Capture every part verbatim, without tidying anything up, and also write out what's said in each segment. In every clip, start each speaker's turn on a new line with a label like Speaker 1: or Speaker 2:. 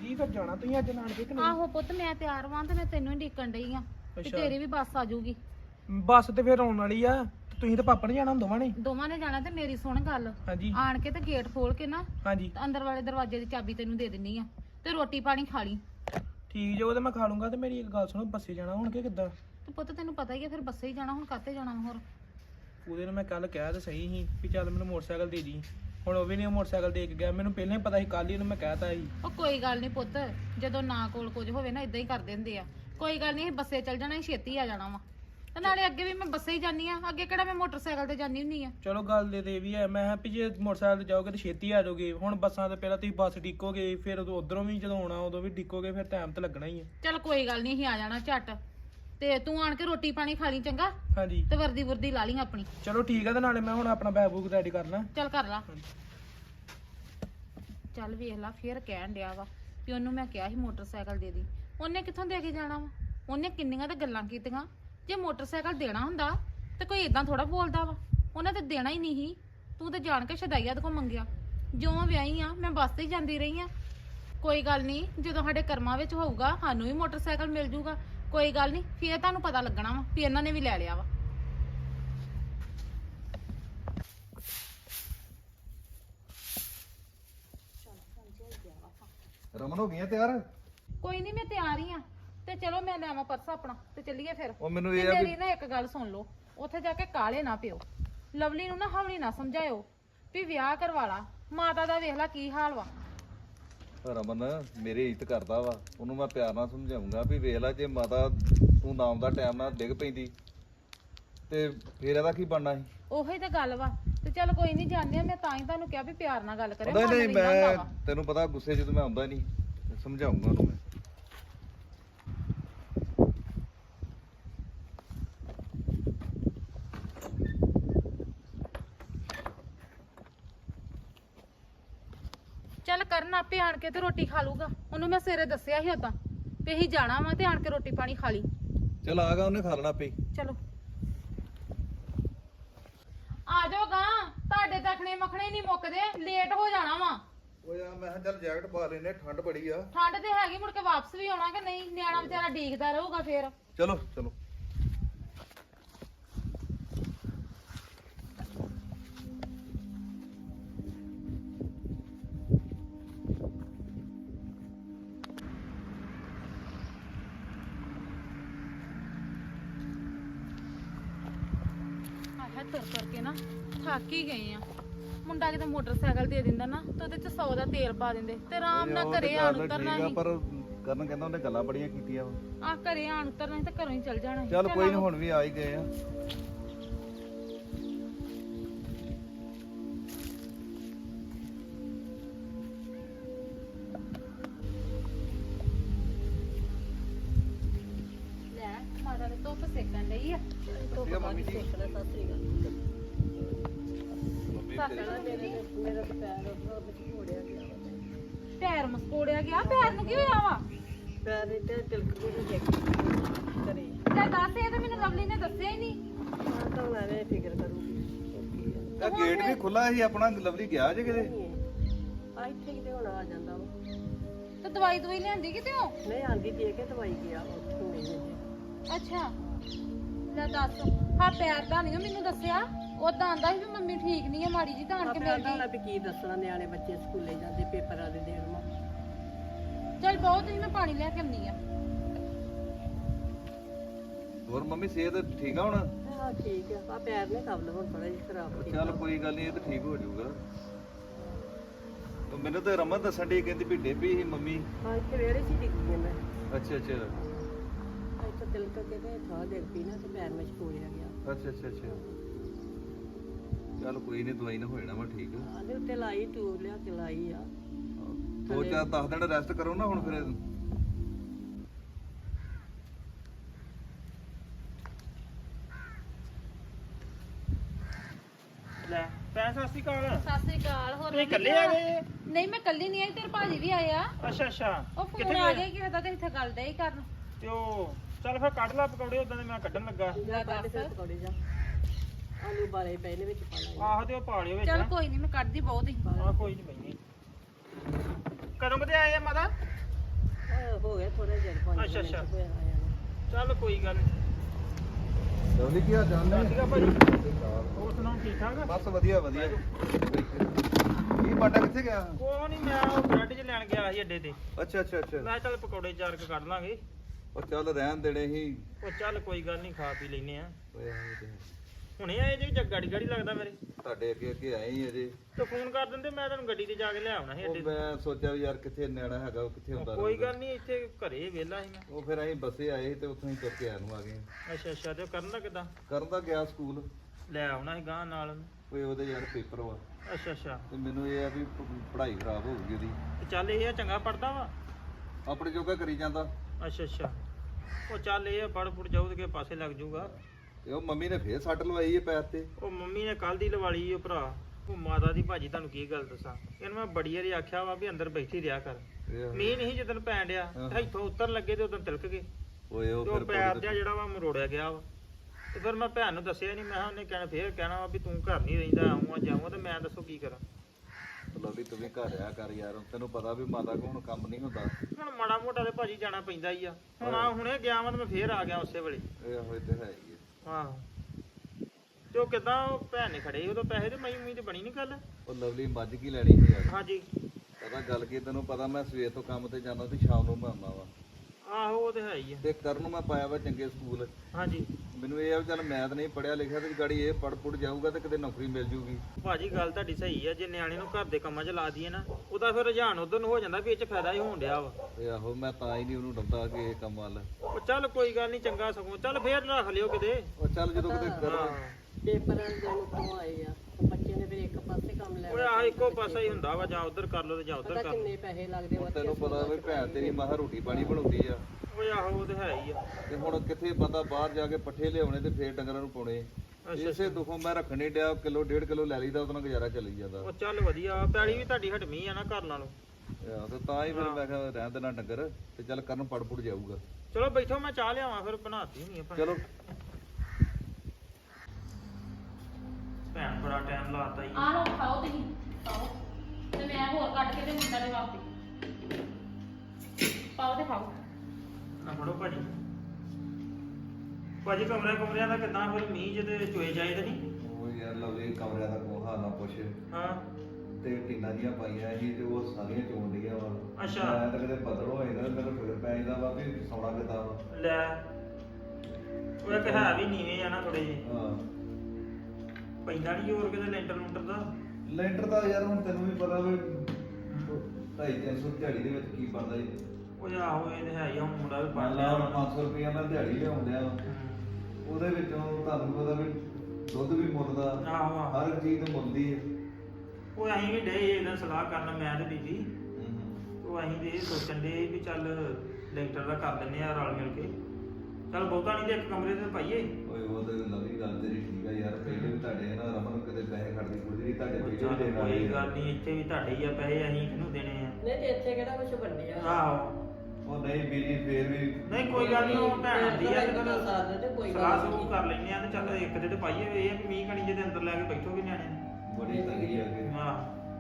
Speaker 1: ਕੀ ਫਿਰ ਜਾਣਾ ਤੁਸੀਂ ਅੱਜ ਨਾਨਕੇ ਕਿ ਨਹੀਂ?
Speaker 2: ਆਹੋ ਪੁੱਤ ਮੈਂ ਤਿਆਰ ਵਾਂ ਤੇ ਮੈਂ ਤੈਨੂੰ ਹੀ ਢੀਕਣ ਡਈ ਆ ਤੇ
Speaker 1: ਅੱਛਾ।
Speaker 2: ਤੇਰੀ ਵੀ ਬੱਸ ਆ ਜਾਊਗੀ।
Speaker 1: ਬੱਸ ਤੇ ਫਿਰ ਆਉਣ ਵਾਲੀ ਆ ਤੇ ਤੁਸੀਂ ਤੇ ਪਾਪਾ ਨੇ ਜਾਣਾ ਹੁੰਦਾ ਦੋਵਾਂ ਨੇ।
Speaker 2: ਦੋਵਾਂ ਨੇ ਜਾਣਾ ਤੇ ਮੇਰੀ ਸੁਣ ਗੱਲ,
Speaker 1: ਹਾਂਜੀ
Speaker 2: ਆਣ ਕੇ ਤੇ ਗੇਟ ਖੋਲ ਕੇ ਨਾ
Speaker 1: ਹਾਂਜੀ
Speaker 2: ਤੇ ਅੰਦਰ ਵਾਲੇ ਦਰਵਾਜ਼ੇ ਦੀ ਚਾਬੀ ਤੈਨੂੰ ਦੇ ਦਿੰਨੀ ਆ ਤੇ ਰੋਟੀ ਪਾਣੀ ਖਾ ਲਈ।
Speaker 1: ਠੀਕ ਜੋ ਤੇ ਮੈਂ ਖਾ ਲੂੰਗਾ। ਤੇ ਮੇਰੀ ਇੱਕ ਗੱਲ ਸੁਣੋ, ਬੱਸੇ ਜਾਣਾ ਹੁਣ ਕਿ ਕਿੱਦਾਂ?
Speaker 2: ਤੇ ਪੁੱਤ ਤੈਨੂੰ ਪਤਾ ਹੀ ਆ ਫਿਰ ਬੱਸੇ ਹੀ ਜਾਣਾ, ਹੁਣ ਕਾਤੇ ਜਾਣਾ ਵਾ ਹੋਰ।
Speaker 1: ਉਹਦੇ ਨੂੰ ਮੈਂ ਕੱਲ ਕਿਹਾ ਤਾਂ ਸਹੀ ਸੀ ਵੀ ਚੱਲ ਮੈਨੂੰ ਮੋਟਰਸਾਈਕਲ ਦੇ ਦੀ, ਹੁਣ ਉਹ ਵੀ ਨਹੀਂ ਮੋਟਰਸਾਈਕਲ ਦੇ ਕੇ ਗਿਆ। ਮੈਨੂੰ ਪਹਿਲਾਂ ਹੀ ਪਤਾ ਸੀ, ਕੱਲ ਹੀ ਉਹਨੂੰ ਮੈਂ ਕਹਿਤਾ ਸੀ।
Speaker 2: ਉਹ ਕੋਈ ਗੱਲ ਨਹੀਂ ਪੁੱਤ, ਜਦੋਂ ਨਾ ਕੋਲ ਕੁਝ ਹੋਵੇ ਨਾ ਇਦਾਂ ਹੀ ਕਰ ਦਿੰਦੇ ਆ। ਕੋਈ ਗੱਲ ਨਹੀਂ, ਅਸੀਂ ਬੱਸੇ ਚੱਲ ਜਾਣਾ, ਛੇਤੀ ਆ ਜਾਣਾ ਵਾ। ਤੇ ਨਾਲੇ ਅੱਗੇ ਵੀ ਮੈਂ ਬੱਸੇ ਹੀ ਜਾਂਦੀ ਆ, ਅੱਗੇ ਕਿਹੜਾ ਮੈਂ ਮੋਟਰਸਾਈਕਲ ਤੇ ਜਾਂਦੀ ਹੁੰਦੀ ਆ।
Speaker 1: ਚਲੋ ਗੱਲ ਦੇ ਤੇ ਵੀ ਹੈ, ਮੈਂ ਕਿਹਾ ਵੀ ਜੇ ਮੋਟਰਸਾਈਕਲ ਤੇ ਜਾਓਗੇ ਤੇ ਛੇਤੀ ਆ ਜਾਓਗੇ। ਹੁਣ ਬੱਸਾਂ ਤੇ ਪਹਿਲਾਂ ਤੁਸੀਂ ਬੱਸ ਡਿੱਕੋਗੇ, ਫਿਰ ਉਦੋਂ ਉਧਰੋਂ ਵੀ ਜਦੋਂ ਆਉਣਾ ਉਦੋਂ ਵੀ ਡਿੱਕੋਗੇ, ਫਿਰ ਟਾਈਮ ਤੇ ਲੱਗਣਾ ਹੀ ਹੈ।
Speaker 2: ਚਲ ਕੋਈ ਗੱਲ ਨਹੀਂ, ਅਸੀਂ ਆ ਜਾਣਾ ਝੱਟ। ਤੇ ਤੂੰ ਆਣ ਕੇ ਰੋਟੀ ਪਾਣੀ ਖਾ ਲਈ ਚੰਗਾ,
Speaker 1: ਹਾਂਜੀ
Speaker 2: ਤੇ ਵਰਦੀ ਵਰਦੀ ਲਾ ਲਈ ਆਪਣੀ।
Speaker 1: ਚਲੋ ਠੀਕ ਹੈ। ਤੇ ਨਾਲੇ ਮੈਂ ਹੁਣ ਆਪਣਾ ਬੈਗ ਬੂਗ ਰੈਡੀ ਕਰਨਾ।
Speaker 2: ਚੱਲ ਕਰ ਲਾ। ਚੱਲ ਵੇਖ ਲਾ, ਫੇਰ ਕਹਿਣ ਡਿਆ ਵਾ ਵੀ ਉਹਨੂੰ ਮੈਂ ਕਿਹਾ ਸੀ ਮੋਟਰਸਾਈਕਲ ਦੇ ਦੀ। ਉਹਨੇ ਕਿੱਥੋਂ ਦੇ ਕੇ ਜਾਣਾ ਵਾ? ਉਹਨੇ ਕਿੰਨੀਆਂ ਤਾਂ ਗੱਲਾਂ ਕੀਤੀਆਂ। ਜੇ ਮੋਟਰਸਾਈਕਲ ਦੇਣਾ ਹੁੰਦਾ ਤੇ ਕੋਈ ਇਦਾਂ ਥੋੜਾ ਬੋਲਦਾ ਵਾ। ਉਹਨੇ ਤਾਂ ਦੇਣਾ ਹੀ ਨਹੀਂ ਸੀ। ਤੂੰ ਤਾਂ ਜਾਣ ਕੇ ਸ਼ਦਾਈਆ ਦੇ ਕੋਲ ਮੰਗਿਆ। ਜਿਉਂ ਵਿਆਹੀ ਆ ਮੈਂ ਬੱਸ ਤੇ ਹੀ ਜਾਂਦੀ ਰਹੀ ਆ। ਕੋਈ ਗੱਲ ਨਹੀਂ, ਜਦੋਂ ਸਾਡੇ ਕਰਮਾਂ ਵਿੱਚ ਹੋਊਗਾ ਸਾਨੂੰ ਵੀ ਮੋਟਰਸਾਈਕਲ ਮਿਲ ਜੂਗਾ। ਕੋਈ ਗੱਲ ਨਹੀਂ, ਫੇਰ ਤੁਹਾਨੂੰ ਪਤਾ ਲੱਗਣਾ ਵਾ ਵੀ ਇਹਨਾਂ ਨੇ ਵੀ ਲੈ ਲਿਆ ਵਾ।
Speaker 3: ਰਮਨ ਹੋ ਗਈਆਂ ਤਿਆਰ?
Speaker 2: ਕੋਈ ਨਹੀਂ, ਮੈਂ ਤਿਆਰ ਹੀ ਆ। ਤੇ ਚਲੋ ਮੈਂ ਲਿਆਵਾਂ ਪਰਸ ਆਪਣਾ ਤੇ ਚੱਲੀਏ ਫਿਰ।
Speaker 3: ਉਹ ਮੈਨੂੰ
Speaker 2: ਤੇ
Speaker 3: ਇਹ ਆ
Speaker 2: ਮੇਰੀ
Speaker 3: ਵੀ
Speaker 2: ਨਾ ਇੱਕ ਗੱਲ ਸੁਣ ਲਓ, ਉੱਥੇ ਜਾ ਕੇ ਕਾਲੇ ਨਾ ਪਿਓ। ਲਵਲੀ ਨੂੰ ਨਾ ਹੌਲੀ ਨਾ ਸਮਝਾਇਓ ਵੀ ਵਿਆਹ ਕਰਵਾ ਲਾ। ਮਾਤਾ ਦਾ ਵੇਖ ਲਾ ਕੀ ਹਾਲ ਵਾ।
Speaker 3: ਰਮਨ ਮੇਰੀ ਇੱਜ਼ਤ ਕਰਦਾ ਵਾ, ਉਹਨੂੰ ਮੈਂ ਪਿਆਰ ਨਾਲ ਸਮਝਾਉਂਗਾ ਵੀ ਵੇਖ ਲੈ ਜੇ ਮਾਤਾ ਤੂੰ ਨਾਮ ਦਾ ਟਾਈਮ ਨਾਲ ਡਿੱਗ ਪੈਂਦੀ ਤੇ ਫੇਰ ਇਹਦਾ ਕੀ ਬਣਨਾ ਸੀ?
Speaker 2: ਉਹੀ ਤਾਂ ਗੱਲ ਵਾ। ਤੇ ਚੱਲ ਕੋਈ ਨਹੀਂ, ਜਾਣਦੇ ਆ। ਮੈਂ ਤਾਂ ਹੀ ਤੁਹਾਨੂੰ ਕਿਹਾ ਵੀ ਪਿਆਰ ਨਾਲ ਗੱਲ ਕਰਿਓ।
Speaker 3: ਨਹੀਂ
Speaker 2: ਮਨ
Speaker 3: ਨਹੀਂ
Speaker 2: ਨਹੀਂ ਜਾਂਦਾ
Speaker 3: ਮੈਂ
Speaker 2: ਵਾ।
Speaker 3: ਤੈਨੂੰ ਪਤਾ ਗੁੱਸੇ 'ਚ ਤਾਂ ਮੈਂ ਆਉਂਦਾ ਨਹੀਂ, ਸਮਝਾਉਂਗਾ ਉਹਨੂੰ ਮੈਂ।
Speaker 2: ਚੱਲ ਕਰਨ ਆਪੇ ਆਣ ਕੇ ਤੇ ਰੋਟੀ ਖਾ ਲੂਗਾ। ਉਹਨੂੰ ਮੈਂ ਸਵੇਰੇ ਦੱਸਿਆ ਸੀ ਉਦਾਂ ਵੀ ਅਸੀਂ ਜਾਣਾ ਵਾ ਤੇ ਆਣ ਕੇ ਰੋਟੀ ਪਾਣੀ ਖਾ ਲਈ।
Speaker 3: ਚਲ ਆਗਾ, ਉਹਨੇ ਖਾ ਲੈਣਾ ਪਈ।
Speaker 2: ਚਲੋ ਆ ਜਾਓਗਾ, ਤੁਹਾਡੇ ਤਖਣੇ ਮੱਖਣੇ ਨਹੀਂ ਮੁੱਕਦੇ, ਲੇਟ ਹੋ ਜਾਣਾ ਵਾ।
Speaker 3: ਉਹ ਯਾਰ ਮੈਂ ਕਿਹਾ ਚੱਲ ਜੈਕਟ ਪਾ ਲੈਨੇ, ਠੰਡ ਬੜੀ ਆ।
Speaker 2: ਠੰਡ ਤੇ ਹੈਗੀ, ਮੁੜ ਕੇ ਵਾਪਸ ਵੀ ਆਉਣਾ ਕਿ ਨਹੀਂ? ਨਿਆਣਾ ਵਿਚਾਰਾ ਡੀਕਦਾ ਰਹੂਗਾ ਫੇਰ।
Speaker 3: ਚਲੋ ਚਲੋ
Speaker 2: ਆਹ ਤੁਰ ਤੁਰ ਕੇ ਨਾ ਥੱਕ ਹੀ ਗਏ ਆ। ਮੁੰਡਾ ਕਿਤੇ ਮੋਟਰਸਾਈਕਲ ਦੇ ਦਿੰਦਾ ਨਾ ਤੇ ਉਹਦੇ ਚ ਸੌ ਦਾ ਤੇਲ ਪਾ ਦਿੰਦੇ ਤੇ ਆਰਾਮ ਨਾਲ ਘਰੇ ਆਣ ਉਤਰਨਾ
Speaker 3: ਠੀਕ ਆ,
Speaker 2: ਸੀ।
Speaker 3: ਪਰ ਕਰਨ ਕਹਿੰਦਾ ਉਹਨੇ ਗੱਲਾਂ ਬੜੀਆਂ ਕੀਤੀਆਂ ਵਾ।
Speaker 2: ਆ ਘਰੇ ਆਣ ਉਤਰਨਾ ਸੀ ਤੇ ਘਰੋਂ ਹੀ ਚੱਲ ਜਾਣਾ ਸੀ।
Speaker 3: ਚੱਲ ਕੋਈ ਨਹੀਂ,
Speaker 2: ਆਹੋ।
Speaker 3: ਹੁਣ ਵੀ ਆ ਹੀ ਗਏ ਆ।
Speaker 2: ਲੈ ਮਾਤਾ ਨੇ ਧੁੱਪ ਸੇਕਣ ਡਈ ਆ।
Speaker 3: ਠੀਕ ਆ ਮੰਮੀ ਜੀ।
Speaker 2: ਪੈਰ ਮਸਕੋੜਿਆ ਗਿਆ। ਪੈਰ ਨੂੰ ਕੀ ਹੋਇਆ ਵਾ?
Speaker 4: ਪੈਰ ਤੇ ਤਿਲਕ ਵੀ ਨਹੀਂ ਕਰੇ
Speaker 2: ਤੇ ਦੱਸ, ਇਹ ਤਾਂ ਮੈਨੂੰ ਲਵਲੀ ਨੇ ਦੱਸਿਆ ਹੀ ਨਹੀਂ।
Speaker 4: ਆ ਤਾਂ ਮੈਂ ਫਿਕਰ ਕਰੂੰਗੀ।
Speaker 3: ਇਹ ਗੇਟ ਵੀ ਖੁੱਲਾ ਸੀ ਆਪਣਾ, ਲਵਲੀ ਗਿਆ ਜੇ ਕਿਤੇ?
Speaker 4: ਆ ਇੱਥੇ ਕਿਤੇ ਹੁਣ ਆ ਜਾਂਦਾ ਵਾ।
Speaker 2: ਤੇ ਦਵਾਈ ਦਵਾਈ ਲਿਆਂਦੀ ਕਿਤੇ ਉਹ?
Speaker 4: ਨਹੀਂ ਆਂਦੀ ਦੇ ਕੇ ਦਵਾਈ ਗਿਆ ਹੁਣੇ ਜਿਹੇ।
Speaker 2: ਅੱਛਾ ਲੈ ਦੱਸ, ਹਾਂ ਪੈਰ ਦਾ ਨਹੀਂ ਮੈਨੂੰ ਦੱਸਿਆ। ਉਦਾਂ ਆਂਦਾ ਸੀ ਵੀ ਮੰਮੀ ਠੀਕ ਨਹੀਂ ਹੈ, ਮਾੜੀ ਜੀ ਤਾਂ ਆਣ ਕੇ ਮਿਲ
Speaker 4: ਆਪਣਾ
Speaker 2: ਗਈ।
Speaker 4: ਵੀ ਕੀ ਦੱਸਣਾ, ਨਿਆਣੇ ਬੱਚੇ ਸਕੂਲੇ ਜਾਂਦੇ ਪੇਪਰਾਂ ਦੇ ਦੇਣ ਮਾ।
Speaker 2: ਚੱਲ ਬਹੁਤ ਹੀ, ਮੈਂ ਪਾਣੀ ਲੈ ਕੇ ਆਉਂਦੀ ਆ।
Speaker 3: ਹੋਰ ਮੰਮੀ ਸਿਹਤ ਠੀਕ ਆ ਹੁਣ?
Speaker 4: ਹਾਂ ਠੀਕ ਆ। ਆ ਪੈਰ ਨੇ ਕਬਲ ਹੁਣ ਥੋੜਾ ਜਿਹਾ ਖਰਾਬ ਕੀਤਾ।
Speaker 3: ਚੱਲ ਕੋਈ ਗੱਲ ਨਹੀਂ, ਇਹ ਤਾਂ ਠੀਕ ਹੋ ਜਾਊਗਾ। ਤੇ ਮੈਨੂੰ ਤਾਂ ਰਮਨ ਦੱਸਣ ਦੀ ਕਹਿੰਦੀ ਵੀ ਡੇਬੀ ਸੀ ਮੰਮੀ।
Speaker 4: ਹਾਂ ਇੱਥੇ ਵੇੜੇ ਸੀ ਡਿੱਗੀ ਮੈਂ।
Speaker 3: ਅੱਛਾ ਅੱਛਾ
Speaker 4: ਇੱਥੇ ਤਿਲਕ ਕੇ ਤੇ ਥਾਂ ਡਿੱਗ ਪਈ ਨਾ ਤੇ ਪੈਰ ਵਿੱਚ ਕੋੜਿਆ ਗਿਆ।
Speaker 3: ਅੱਛਾ ਅੱਛਾ ਅੱਛਾ ਚੱਲ ਕੋਈ ਨਹੀਂ, ਦਵਾਈ ਨਾ ਹੋ ਜਾਣਾ ਵਾ ਠੀਕ।
Speaker 4: ਆਂਦੇ ਉੱਤੇ ਲਾਈ, ਟੂਬ ਲਿਆ ਕੇ ਲਾਈ ਆ।
Speaker 3: ਦੋ ਚਾਰ ਦਸ ਦਿਨ ਰੈਸਟ ਕਰੋ ਨਾ ਹੁਣ ਫਿਰ।
Speaker 1: ਲੈ ਪੈਸੇ ਸਤਿ ਸ਼੍ਰੀ ਅਕਾਲ।
Speaker 2: ਸਤਿ ਸ੍ਰੀ ਅਕਾਲ। ਹੋਰ
Speaker 1: ਤੁਸੀਂ ਇਕੱਲੇ
Speaker 2: ਵਧੀਆ?
Speaker 1: ਆ ਗਏ?
Speaker 2: ਨਹੀਂ ਮੈਂ ਇਕੱਲੀ ਨਹੀਂ ਆਈ, ਤੇਰੇ ਭਾਜੀ ਵੀ ਆਏ ਆ।
Speaker 1: ਅੱਛਾ ਅੱਛਾ।
Speaker 2: ਉਹ ਫੋਨ ਆ ਗਿਆ ਕਿਸੇ ਦਾ ਤੇ ਇੱਥੇ ਗੱਲ ਡੇ ਕਰਨ।
Speaker 1: ਤੇ ਉਹ ਚੱਲ ਫਿਰ ਕੱਢ ਲਾ ਪਕੌੜੇ, ਉਦਾਂ ਦੇ ਮੈਂ ਕੱਢਣ ਲੱਗਾ।
Speaker 4: ਜਾ ਕੱਢ ਕੇ ਪਕੌੜੇ ਜਾ। ਆਲੂ ਬਾਲੇ ਪਏ ਨੇ ਵਿੱਚ ਪਾ ਲਾਂਗੇ।
Speaker 1: ਆਹੋ ਤੇ ਉਹ ਪਾ ਲਿਓ ਵਿੱਚ।
Speaker 2: ਚੱਲ ਕੋਈ ਨਹੀਂ, ਮੈਂ ਕੱਢਦੀ ਬਹੁਤ ਹੀ।
Speaker 1: ਆਹ ਕੋਈ ਨਹੀਂ ਬਈਏ। ਕਦੋਂ ਕਦੇ ਆਏ ਆ ਮਾਤਾ?
Speaker 4: ਹੋ ਗਿਆ ਥੋੜਾ ਜਿਹਾ ਪੰਜ
Speaker 1: ਅੱਛਾ,
Speaker 4: ਮਿੰਟ
Speaker 1: ਅੱਛਾ।
Speaker 4: ਹੋਇਆ ਆਇਆ ਨੂੰ।
Speaker 1: ਚੱਲ ਕੋਈ ਗੱਲ ਨਹੀਂ।
Speaker 3: ਲਵਲੀ ਕੀ ਹਾਲ ਚਾਲ ਨੇ?
Speaker 1: ਠੀਕ ਆ ਭਾਜੀ। ਹੋਰ ਸੁਣਾਓ ਠੀਕ ਠਾਕ ਆ?
Speaker 3: ਬਸ ਵਧੀਆ ਵਧੀਆ ਕੀ ਬਾਟਾ ਕਿੱਥੇ ਗਿਆ?
Speaker 1: ਕੋਈ ਨਹੀਂ, ਮੈਂ ਉਹ ਬ੍ਰੈਡ ਚ ਲੈਣ ਗਿਆ ਸੀ ਅੱਡੇ ਤੇ।
Speaker 3: ਅੱਛਾ ਅੱਛਾ ਅੱਛਾ
Speaker 1: ਮੈਂ ਕਿਹਾ ਚੱਲ ਪਕੌੜੇ ਚਾਰ ਕੇ ਕੱਢ ਲਾਂਗੇ।
Speaker 3: ਉਹ ਚੱਲ ਰਹਿਣ ਦੇਣੇ ਸੀ।
Speaker 1: ਉਹ ਚੱਲ ਕੋਈ ਗੱਲ ਨਹੀਂ, ਖਾ ਪੀ ਲੈਨੇ ਆ।
Speaker 3: ਓਏ ਆਹੋ ਤੇ ਹੈ।
Speaker 1: ਹੁਣੇ ਆਏ ਜੀ, ਗਾੜੀ ਗਾੜੀ ਲੱਗਦਾ ਮੇਰੇ
Speaker 3: ਤੁਹਾਡੇ ਅੱਗੇ ਅੱਗੇ ਆਏ ਹੀ ਅਜੇ।
Speaker 1: ਤੇ ਫੋਨ ਕਰ ਦਿੰਦੇ, ਮੈਂ ਤੁਹਾਨੂੰ ਗੱਡੀ ਤੇ ਜਾ ਕੇ ਲੈ ਆਉਣਾ ਸੀ
Speaker 3: ਉਹ
Speaker 1: ਅੱਡੇ ਤੇ।
Speaker 3: ਮੈਂ ਸੋਚਿਆ ਵੀ ਯਾਰ ਕਿੱਥੇ ਨਿਆਣਾ ਹੈਗਾ, ਉਹ ਕਿੱਥੇ ਹੁੰਦਾ
Speaker 1: ਕੋਈ
Speaker 3: ਰਹੂਗਾ।
Speaker 1: ਗੱਲ ਨਹੀਂ, ਇੱਥੇ ਘਰੇ ਵਿਹਲਾ ਸੀ ਮੈਂ।
Speaker 3: ਉਹ ਫਿਰ ਅਸੀਂ ਬੱਸੇ ਆਏ ਸੀ ਤੇ ਉੱਥੋਂ ਹੀ ਤੁਰ ਕੇ ਆਣ ਨੂੰ ਆ ਗਏ।
Speaker 1: ਅੱਛਾ ਅੱਛਾ, ਤੇ ਉਹ ਕਰਨ ਦਾ ਕਿੱਦਾਂ?
Speaker 3: ਕਰਨ ਦਾ ਗਿਆ ਸਕੂਲ।
Speaker 1: ਲੈ ਆਉਣਾ ਸੀ ਗਾਂ ਨਾਲ ਉਹਨੂੰ।
Speaker 3: ਓਏ ਉਹਦੇ ਯਾਰ ਪੇਪਰ ਵਾ
Speaker 1: ਅੱਛਾ ਅੱਛਾ,
Speaker 3: ਤੇ ਮੈਨੂੰ ਇਹ ਆ ਵੀ ਪ- ਪੜ੍ਹਾਈ ਖਰਾਬ ਹੋਊਗੀ ਉਹਦੀ।
Speaker 1: ਤੇ ਚੱਲ ਇਹ ਆ ਚੰਗਾ ਪੜਦਾ ਵਾ।
Speaker 3: ਆਪਣੇ ਜੋਗਾ ਕਰੀ ਜਾਂਦਾ।
Speaker 1: ਅੱਛਾ ਅੱਛਾ, ਉਹ ਚੱਲ ਇਹ ਆ ਪੜ ਪੁੜ ਜਾਊ ਤੇ ਕਿਸੇ ਪਾਸੇ ਲੱਗ ਜਾਊਗਾ।
Speaker 3: ਤੇ ਉਹ ਮੰਮੀ ਨੇ ਫੇਰ ਸੱਟ ਲਵਾਈ ਹੈ ਪੈਰ ਤੇ।
Speaker 1: ਉਹ ਮੰਮੀ ਨੇ ਕੱਲ ਦੀ ਲਵਾ ਲਈ ਉਹ ਭਰਾ। ਉਹ ਮਾਤਾ ਦੀ ਭਾਜੀ ਤੁਹਾਨੂੰ ਕੀ ਗੱਲ ਦੱਸਾਂ, ਇਹਨੂੰ ਮੈਂ ਬੜੀ ਵਾਰੀ ਆਖਿਆ ਵਾ ਵੀ ਅੰਦਰ ਬੈਠੀ ਰਿਹਾ ਕਰ।
Speaker 3: ਇਹ
Speaker 1: ਮੀਂਹ ਨਹੀਂ ਜਦੋਂ ਪੈਣ ਡਿਆ,
Speaker 3: ਹਾਂ।
Speaker 1: ਤੇ ਇੱਥੋਂ ਉਤਰਨ ਲੱਗੇ ਤੇ ਉਦੋਂ ਤਿਲਕ ਗਏ
Speaker 3: ਓਏ ਉਹ
Speaker 1: ਤੇ ਉਹ
Speaker 3: ਫਿਰ
Speaker 1: ਪੈਰ
Speaker 3: ਪੁੱਤ-
Speaker 1: ਜਿਹਾ ਜਿਹੜਾ ਵਾ ਮਰੋੜਿਆ ਗਿਆ ਵਾ। ਤੇ ਫਿਰ ਮੈਂ ਭੈਣ ਨੂੰ ਦੱਸਿਆ ਨਹੀਂ, ਮੈਂ ਕਿਹਾ ਉਹਨੇ ਕਹਿਣਾ ਫੇਰ ਕਹਿਣਾ ਵਾ ਵੀ ਤੂੰ ਘਰ ਨਹੀਂ ਰਹਿੰਦਾ, ਆਉਂਗਾ ਜਾਊਂਗਾ, ਤੇ ਮੈਂ ਦੱਸੋ ਕੀ ਕਰਾਂ।
Speaker 3: ਲਵਲੀ ਤੂੰ ਵੀ ਘਰ ਆ ਕਰ ਯਾਰ, ਤੈਨੂੰ ਪਤਾ ਵੀ ਮਾਤਾ ਕੋਲ ਹੁਣ ਕੰਮ ਨਹੀਂ ਹੁੰਦਾ।
Speaker 1: ਹੁਣ ਮਾੜਾ ਮੋਟਾ ਤੇ ਭਾਜੀ ਜਾਣਾ ਪੈਂਦਾ ਹੀ ਆ। ਹੁਣ ਆ ਹੁਣੇ ਗਿਆ ਵਾ ਤੇ ਮੈਂ ਫੇਰ ਆ ਗਿਆ ਉਸੇ ਵੇਲੇ।
Speaker 3: ਇਹ ਹੋਏ ਤੇ ਹੈ ਹੀ ਹੈ।
Speaker 1: ਆਹੋ, ਤੇ ਉਹ ਕਿਦਾਂ ਉਹ ਭੈਣ ਨੇ ਖੜੇ ਸੀ ਉਦੋਂ ਪੈਸੇ, ਤੇ ਮਈ ਮਈ ਤੇ ਬਣੀ ਨਹੀਂ ਗੱਲ।
Speaker 3: ਉਹ ਲਵਲੀ ਮੱਝ ਕੀ ਲੈਣੀ ਸੀ ਯਾਰ।
Speaker 1: ਹਾਂਜੀ,
Speaker 3: ਪਤਾ ਗੱਲ ਕੀ, ਤੈਨੂੰ ਪਤਾ ਮੈਂ ਸਵੇਰ ਤੋਂ ਕੰਮ ਤੇ ਜਾਂਦਾ ਤੇ ਸ਼ਾਮ ਨੂੰ ਮੈਂ ਆਉਂਦਾ ਵਾ।
Speaker 1: ਆਹੋ ਉਹ ਤੇ ਹੈ ਹੀ ਆ।
Speaker 3: ਤੇ ਕਰਨ ਨੂੰ ਮੈਂ ਪਾਇਆ ਵਾ ਚੰਗੇ ਸਕੂਲ।
Speaker 1: ਹਾਂਜੀ
Speaker 3: ਮੈਨੂੰ ਇਹ ਆ ਵੀ ਚੱਲ ਮੈਥ ਨਹੀਂ ਪੜਿਆ ਲਿਖਿਆ ਤੇ ਗਾੜੀ ਇਹ ਪੜ ਪੁੜ ਜਾਊਗਾ ਤੇ ਕਿਤੇ ਨੌਕਰੀ ਮਿਲ ਜੂਗੀ।
Speaker 1: ਭਾਜੀ ਗੱਲ ਤੁਹਾਡੀ ਸਹੀ ਆ, ਜੇ ਨਿਆਣੇ ਨੂੰ ਘਰ ਦੇ ਕੰਮਾਂ 'ਚ ਲਾ ਦਈਏ ਨਾ, ਉਹਦਾ ਫਿਰ ਰੁਝਾਨ ਉਧਰ ਨੂੰ ਹੋ ਜਾਂਦਾ ਵੀ ਇਹ 'ਚ ਫਾਇਦਾ ਹੀ ਹੋਣ ਡਿਆ ਵਾ।
Speaker 3: ਤੇ ਆਹੋ ਮੈਂ ਤਾਂ ਹੀ ਨਹੀਂ ਉਹਨੂੰ ਡਰਦਾ ਕਿ ਇਹ ਕੰਮ ਵੱਲ।
Speaker 1: ਉਹ ਚੱਲ ਕੋਈ ਗੱਲ ਨਹੀਂ, ਚੰਗਾ ਸਗੋਂ। ਚੱਲ ਫੇਰ ਰੱਖ ਲਿਓ ਕਿਤੇ।
Speaker 3: ਉਹ ਚੱਲ ਜਦੋਂ ਕਿਤੇ
Speaker 1: ਹਾਂ,
Speaker 3: ਕਰ
Speaker 4: ਪੇਪਰਾਂ ਦੇ ਉੱਤੋਂ ਆਏ ਆ ਤੇ ਬੱਚੇ ਨੇ ਫਿਰ ਇੱਕ ਪਾਸੇ ਕੰਮ ਲੈਣਾ।
Speaker 1: ਉਹ ਆਹ ਇੱਕੋ ਪਾਸਾ ਹੀ ਹੁੰਦਾ ਵਾ, ਜਾਂ ਉਧਰ ਕਰ ਲਓ ਤੇ ਜਾਂ ਉਧਰ
Speaker 4: ਪਤਾ
Speaker 1: ਕਰ ਲਓ।
Speaker 4: ਕਿੰਨੇ ਪੈਸੇ ਲੱਗਦੇ
Speaker 3: ਹੁਣ
Speaker 4: ਬੱਚੇ
Speaker 3: ਤੈਨੂੰ ਪਤਾ ਵੀ ਭੈਣ ਤੇਰੀ ਮਾਂ ਰੋਟੀ ਪਾਣੀ ਬਣਾਉਂਦੀ ਆ।
Speaker 1: ਉਹ ਆਹੋ ਉਹ ਤੇ ਹੈ ਹੀ ਆ।
Speaker 3: ਤੇ ਹੁਣ ਕਿੱਥੇ ਬੰਦਾ ਬਾਹਰ ਜਾ ਕੇ ਪੱਠੇ ਲਿਆਉਣੇ ਤੇ ਫੇਰ ਡੰਗਰਾਂ ਨੂੰ ਪਾਉਣੇ।
Speaker 1: ਅੱਛਾ
Speaker 3: ਇਸੇ ਦੁੱਖੋਂ ਮੈਂ ਰੱਖਣ ਨਹੀਂ ਡਿਆ, ਕਿਲੋ ਡੇਢ ਕਿਲੋ ਲੈ ਲਈਦਾ, ਉਹਦੇ ਨਾਲ ਗੁਜ਼ਾਰਾ ਚੱਲੀ ਜਾਂਦਾ।
Speaker 1: ਉਹ ਚੱਲ ਵਧੀਆ, ਪੈਲੀ ਵੀ ਤੁਹਾਡੀ ਹਟਮੀ ਆ ਨਾ ਘਰ ਨਾਲੋਂ।
Speaker 3: ਆਹ ਤੇ ਤਾਂ ਹੀ ਫਿਰ ਮੈਂ ਕਿਹਾ ਰਹਿਣ ਦੇਣਾ ਡੰਗਰ ਤੇ ਚੱਲ ਕਰਨ ਪੜ ਪੁੜ ਜਾਊਗਾ।
Speaker 1: ਚਲੋ ਬੈਠੋ, ਮੈਂ ਚਾਹ ਲਿਆਵਾਂ ਫਿਰ ਬਣਾਤੀ ਹੋਣੀ ਆਪਾਂ।
Speaker 3: ਚਲੋ
Speaker 1: ਭੈਣ ਬੜਾ ਟਾਈਮ ਲਾਤਾ ਹੀ।
Speaker 2: ਆ ਲੋ ਖਾਓ ਤੁਸੀਂ ਖਾਓ, ਤੇ ਮੈਂ ਹੋਰ ਕੱਟ ਕੇ ਤੇ ਮੁੰਡਾ ਦੇ ਵਾਸਤੇ ਪਾਓ ਤੇ ਖਾਓ।
Speaker 1: ਨਾ ਫੜੋ ਭਾਜੀ। ਭਾਜੀ ਕਮਰੇ ਕਮਰਿਆਂ ਦਾ ਕਿਦਾਂ ਫਿਰ ਮੀਂਹ ਜਿਹਦੇ ਚੋਏ ਚਾਹੀਦੇ ਨਹੀਂ?
Speaker 3: ਉਹ ਯਾਰ ਲਵਲੀ ਕਮਰਿਆਂ ਦਾ ਕੋਹਾ ਨਾ ਪੁੱਛ।
Speaker 1: ਹਾਂ
Speaker 3: ਤੇ ਟੀਨਾਂ ਦੀਆਂ ਪਾਈਆਂ ਸੀ ਤੇ ਉਹ ਸਾਰੀਆਂ ਚੋਣ ਡੀਆਂ ਵਾ।
Speaker 1: ਅੱਛਾ।
Speaker 3: ਮੈਂ ਤਾਂ ਕਦੇ ਬਦਲ ਹੋ ਜਾਂਦਾ, ਮੈਨੂੰ ਫਿਕਰ ਪੈ ਜਾਂਦਾ ਵਾ ਵੀ ਸੌਣਾ ਕਿੱਦਾਂ ਵਾ।
Speaker 1: ਲੈ, ਉਹ ਇੱਕ ਹੈ ਵੀ ਨੀਵੇਂ ਆ ਨਾ ਥੋੜੇ ਜਿਹੇ,
Speaker 3: ਹਾਂ
Speaker 1: ਪੈਂਦਾ ਨਹੀਂ ਹੋਰ ਕਿਤੇ ਲੈਂਟਰ ਲੂੰਟਰ ਦਾ।
Speaker 3: ਲੈਂਟਰ ਦਾ ਯਾਰ ਹੁਣ ਤੈਨੂੰ ਵੀ ਪਤਾ ਵੀ ਢਾਈ ਤਿੰਨ ਸੌ ਦਿਹਾੜੀ ਦੇ ਵਿੱਚ ਕੀ ਬਣਦਾ ਜੀ।
Speaker 1: ਉਹ ਆਹੋ ਇਹ ਤੇ ਹੈ ਹੀ ਆ, ਹੁਣ ਮੁੰਡਾ ਵੀ
Speaker 3: ਮੰਨ
Speaker 1: ਬਣ
Speaker 3: ਲਾ
Speaker 1: ਲਿਆ
Speaker 3: ਹੁਣ
Speaker 1: ਵਾ।
Speaker 3: ਪੰਜ ਸੌ ਰੁਪਈਆ ਨਾਲ ਦਿਹਾੜੀ ਲਿਆਉਂਦਿਆ, ਉਹਦੇ ਵਿੱਚੋਂ ਤੁਹਾਨੂੰ ਪਤਾ ਵੀ ਦੁੱਧ ਵੀ ਮੁੱਲ ਦਾ,
Speaker 1: ਆਹੋ ਆਹੋ।
Speaker 3: ਹਰ ਇੱਕ ਚੀਜ਼ ਤੇ ਮੁੱਲ ਦੀ ਹੈ।
Speaker 1: ਉਹ ਅਸੀਂ ਵੀ ਡੇ ਇਹਦਾ ਸਲਾਹ ਕਰਨ, ਮੈਂ ਤੇ ਬੀਬੀ। ਉਹ ਅਸੀਂ ਤੇ ਇਹ ਸੋਚਣ ਦੇ ਵੀ ਚੱਲ ਲੈਂਟਰ ਦਾ ਕਰ ਦਿੰਦੇ ਆ ਰਲ ਮਿਲ ਕੇ। ਚੱਲ ਬਹੁਤਾ ਨਹੀਂ ਤੇ ਇੱਕ ਕਮਰੇ ਤੇ ਪਾਈਏ।
Speaker 3: ਓਏ ਉਹ ਤੇ ਨਵੀਂ ਗੱਲ ਤੇਰੀ ਠੀਕ ਆ ਯਾਰ, ਪਹਿਲੇ ਵੀ ਤੁਹਾਡੇ ਨਾ ਰਮਨ ਨੂੰ ਕਿਤੇ ਪੈਸੇ ਖੜਦੀ ਖੁੜਦੀ ਤੁਹਾਡੇ
Speaker 1: ਉਹ
Speaker 3: ਪਹਿਲੇ
Speaker 1: ਚੱਲ
Speaker 3: ਵੀ ਦੇਣ ਵਾਲੇ
Speaker 1: ਕੋਈ
Speaker 3: ਆ।
Speaker 1: ਗੱਲ ਨਹੀਂ, ਇੱਥੇ ਵੀ ਤੁਹਾਡੇ ਹੀ ਆ ਪੈਸੇ, ਅਸੀਂ ਕਿਹਨੂੰ ਦੇਣੇ ਆ?
Speaker 4: ਨਹੀਂ ਤੇ ਇੱਥੇ ਕਿਹੜਾ ਕੁਝ ਵੰਡਿਆ।
Speaker 1: ਆਹੋ
Speaker 3: ਉਹ ਨਹੀਂ ਬੀਜੀ ਫੇਰ ਵੀ
Speaker 1: ਨਹੀਂ ਕੋਈ ਗੱਲ ਨਹੀਂ, ਉਹ ਭੈਣ ਆਉਂਦੀ ਆ ਤੇ ਫਿਰ
Speaker 4: ਸਾਥ ਦੇ ਤੇ ਕੋਈ
Speaker 1: ਸਲਾਹ
Speaker 4: ਗੱਲ
Speaker 1: ਸਲੂਹ
Speaker 4: ਨਹੀਂ।
Speaker 1: ਕਰ ਲੈਂਦੇ ਆ ਤੇ ਚੱਲ ਇੱਕ ਦੇ ਤੇ ਪਾਈਏ। ਇਹ ਆ ਕਿ ਮੀਂਹ ਕਣੀ ਜਿਹਦੇ ਅੰਦਰ ਲੈ ਕੇ ਬੈਠੋਗੇ ਨਿਆਣੇ।
Speaker 3: ਬੜੀ ਤੰਗੀ ਆ ਕੇ।
Speaker 1: ਹਾਂ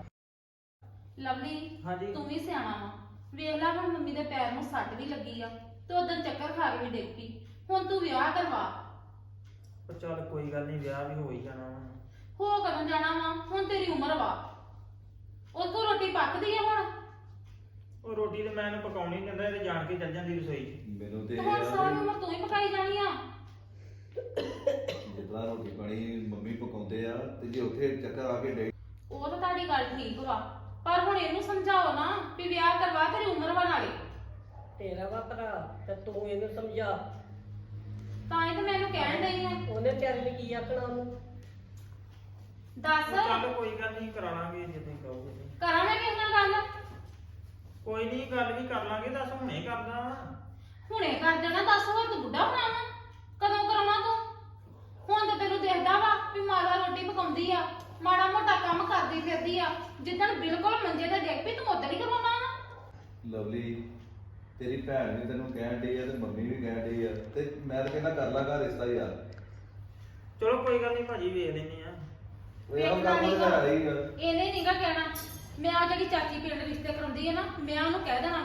Speaker 2: ਲਵਲੀ
Speaker 1: ਹਾਂਜੀ।
Speaker 2: ਤੂੰ ਵੀ ਸਿਆਣਾ ਵਾ, ਵੇਖ ਲੈ ਹੁਣ ਮੰਮੀ ਦੇ ਪੈਰ ਨੂੰ ਸੱਟ ਵੀ ਲੱਗੀ ਆ ਤੇ ਉਦੋਂ ਚੱਕਰ ਖਾ ਕੇ ਵੀ ਡਿੱਗ ਪਈ। ਹੁਣ ਤੂੰ ਵਿਆਹ ਕਰਵਾ।
Speaker 1: ਉਹ ਚੱਲ ਕੋਈ ਗੱਲ ਨਹੀਂ, ਵਿਆਹ ਵੀ ਹੋ ਹੀ ਜਾਣਾ ਵਾ।
Speaker 2: ਹੋ ਕਦੋਂ ਜਾਣਾ ਵਾ? ਹੁਣ ਤੇਰੀ ਉਮਰ ਵਾ, ਉਹ ਕੋ ਰੋਟੀ ਪੱਕਦੀ ਆ ਹੁਣ।
Speaker 1: ਉਹ ਰੋਟੀ ਤੇ ਮੈਂ ਇਹਨੂੰ ਪਕਾਉਣੀ ਨਹੀਂ ਦਿੰਦਾ, ਇਹ ਤੇ ਜਾਣ ਕੇ ਚੱਲ ਜਾਂਦੀ ਰਸੋਈ 'ਚ।
Speaker 3: ਮੈਨੂੰ ਤੇ
Speaker 2: ਤੇ
Speaker 3: ਇਹ
Speaker 2: ਹੁਣ
Speaker 3: ਆ
Speaker 2: ਸਾਰੀ
Speaker 3: ਵੀ
Speaker 2: ਉਮਰ ਤੂੰ ਹੀ ਪਕਾਈ ਜਾਣੀ ਆ।
Speaker 3: ਜਿੱਦਾਂ ਰੋਟੀ ਪਾਣੀ ਮੰਮੀ ਪਕਾਉਂਦੇ ਆ ਤੇ ਜੇ ਉੱਥੇ ਚੱਕਰ ਆ ਕੇ ਡੇ
Speaker 2: ਉਹ ਤਾਂ ਤੁਹਾਡੀ ਗੱਲ ਠੀਕ ਵਾ, ਪਰ ਹੁਣ ਇਹਨੂੰ ਸਮਝਾਓ ਨਾ ਵੀ ਵਿਆਹ ਕਰਵਾ, ਤੇਰੀ ਉਮਰ ਵਾ ਨਾਲੇ।
Speaker 4: ਤੇਰਾ ਵਾ ਭਰਾ ਤੇ ਤੂੰ ਇਹਨੂੰ ਸਮਝਾ।
Speaker 2: ਤਾਂ ਹੀ ਤਾਂ ਮੈਨੂੰ ਕਹਿਣ ਡਈ ਆ।
Speaker 4: ਉਹਨੇ ਵਿਚਾਰੇ ਨੇ ਕੀ ਆਖਣਾ ਉਹਨੂੰ।
Speaker 2: ਦੱਸ
Speaker 1: ਚੱਲ ਕੋਈ ਗੱਲ ਨਹੀਂ, ਕਰਾ ਲਾਂਗੇ ਜੇ ਤੁਸੀਂ ਕਹੋਗੇ ਤੇ।
Speaker 2: ਕਰਾਂ ਮੈਂ ਕਿਸ ਨਾਲ ਗੱਲ?
Speaker 1: ਕੋਈ ਨਹੀਂ, ਗੱਲ ਵੀ ਕਰ ਲਾਂਗੇ। ਦੱਸ ਹੁਣੇ ਕਰਦਾ ਵਾ।
Speaker 2: ਹੁਣੇ ਕਰ ਦੇਣਾ। ਦੱਸ ਹੋਰ ਤੂੰ ਬੁੱਢਾ ਹੋਣਾ ਵਾ, ਕਦੋਂ ਕਰਾਉਣਾ ਤੂੰ? ਹੁਣ ਤਾਂ ਤੈਨੂੰ ਦੇਖਦਾ ਵਾ ਵੀ ਮਾਤਾ ਰੋਟੀ ਪਕਾਉਂਦੀ ਆ, ਮਾੜਾ ਮੋਟਾ ਕੰਮ ਕਰਦੀ ਫਿਰਦੀ ਆ। ਜਿੱਦਣ ਬਿਲਕੁਲ ਮੰਜੇ ਤੇ ਡਿੱਗ ਪਈ ਤੂੰ ਉਦੋਂ ਹੀ ਕਰਵਾਉਣਾ ਵਾ।
Speaker 3: ਲਵਲੀ ਤੇਰੀ ਭੈਣ ਵੀ ਤੈਨੂੰ ਕਹਿਣ ਡਈ ਆ ਤੇ ਮੰਮੀ ਵੀ ਕਹਿਣ ਡਈ ਆ ਤੇ ਮੈਂ ਤਾਂ ਕਹਿੰਦਾ ਕਰ ਲਾਂਗਾ ਰਿਸ਼ਤਾ ਯਾਰ।
Speaker 1: ਚਲੋ ਕੋਈ ਗੱਲ ਨਹੀਂ ਭਾਜੀ, ਵੇਖ ਲੈਨੇ ਆ।
Speaker 3: ਉਹ ਯਾਰ ਕੰਮ ਤਾਂ ਹੈ ਹੀ ਆ।
Speaker 2: ਇਹਨੇ ਨਹੀਂਗਾ ਕਹਿਣਾ। ਮੈਂ ਆ ਜਿਹੜੀ ਚਾਚੀ ਪਿੰਡ ਰਿਸ਼ਤੇ ਕਰਾਉਂਦੀ ਹੈ ਨਾ, ਮੈਂ ਉਹਨੂੰ ਕਹਿ ਦੇਣਾ